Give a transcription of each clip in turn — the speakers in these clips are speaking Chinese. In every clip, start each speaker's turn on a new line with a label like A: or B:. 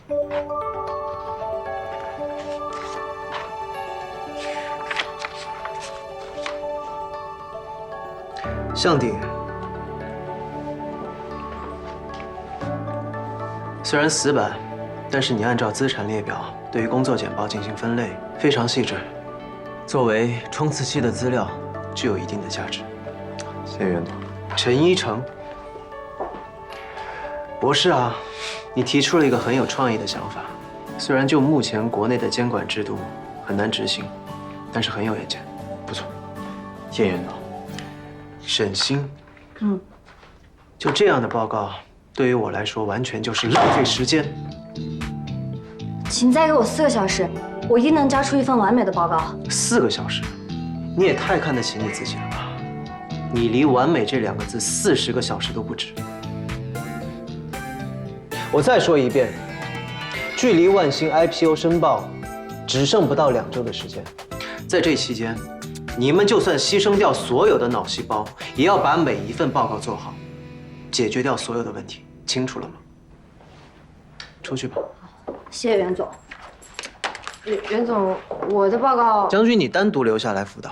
A: 向鼎，虽然死板，但是你按照资产列表对于工作简报进行分类，非常细致，作为冲刺期的资料，具有一定的价值。
B: 谢谢袁总。
A: 陈一成，博士啊，你提出了一个很有创意的想法，虽然就目前国内的监管制度很难执行，但是很有远见，不错。
B: 谢谢袁总。
A: 沈星，就这样的报告，对于我来说完全就是浪费时间。
C: 请再给我4个小时，我一定能交出一份完美的报告。
A: 4个小时，你也太看得起你自己了吧？你离完美这2个字40个小时都不止。我再说一遍，距离万兴 IPO 申报只剩不到2周的时间，在这期间，你们就算牺牲掉所有的脑细胞，也要把每一份报告做好，解决掉所有的问题。清楚了吗？出去吧。
C: 谢谢袁总。
D: 袁总，我的报告……
A: 将军，你单独留下来辅导。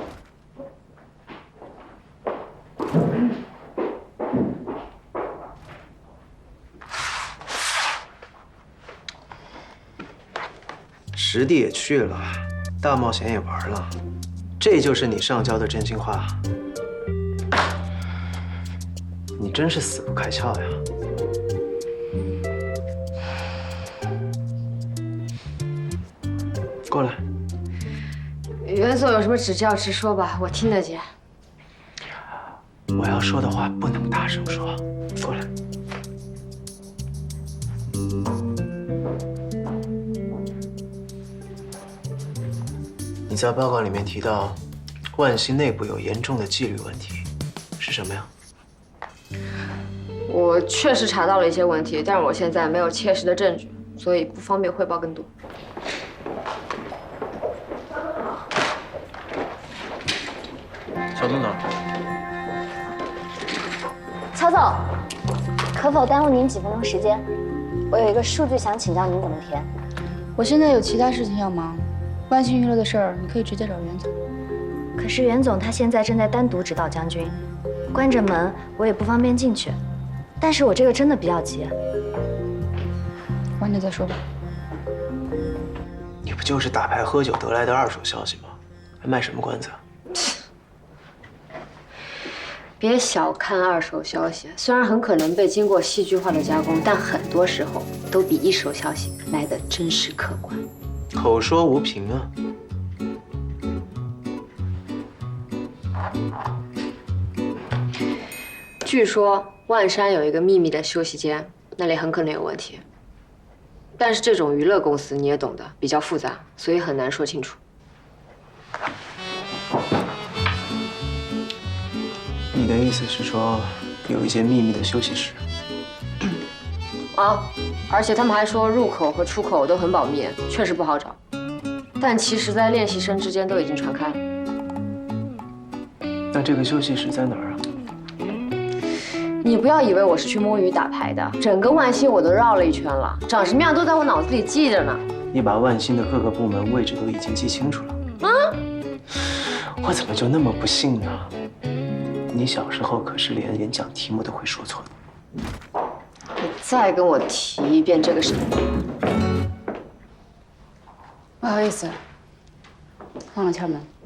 A: 实地也去了，大冒险也玩了，这就是你上交的真心话？你真是死不开窍呀！过来。
D: 袁总有什么指教直说吧，我听得见。
A: 我要说的话不能大声说，过来。你在报告里面提到，万兴内部有严重的纪律问题，是什么呀？
D: 我确实查到了一些问题，但是我现在没有切实的证据，所以不方便汇报更多。
B: 小组长，
C: 曹总，可否耽误您几分钟时间？我有一个数据想请教您怎么填。
E: 我现在有其他事情要忙，万兴娱乐的事儿你可以直接找袁总。
C: 可是袁总他现在正在单独指导将军，关着门我也不方便进去。但是我这个真的比较急。
E: 晚点再说吧。
A: 你不就是打牌喝酒得来的二手消息吗？还卖什么关子啊？
D: 别小看二手消息，虽然很可能被经过戏剧化的加工，但很多时候都比一手消息来得真实客观。
A: 口说无凭啊！
D: 据说万山有一个秘密的休息间，那里很可能有问题。但是这种娱乐公司你也懂得，比较复杂，所以很难说清楚。
A: 你的意思是说，有一间秘密的休息室？
D: 啊，而且他们还说入口和出口都很保密，确实不好找。但其实，在练习生之间都已经传开了。
A: 那这个休息室在哪儿啊？
D: 你不要以为我是去摸鱼打牌的，整个万兴我都绕了一圈了，长什么样都在我脑子里记着呢。
A: 你把万兴的各个部门位置都已经记清楚了。啊？我怎么就那么不幸呢？你小时候可是连演讲题目都会说错的。
D: 你再跟我提一遍这个事。
E: 不好意思，忘了敲门。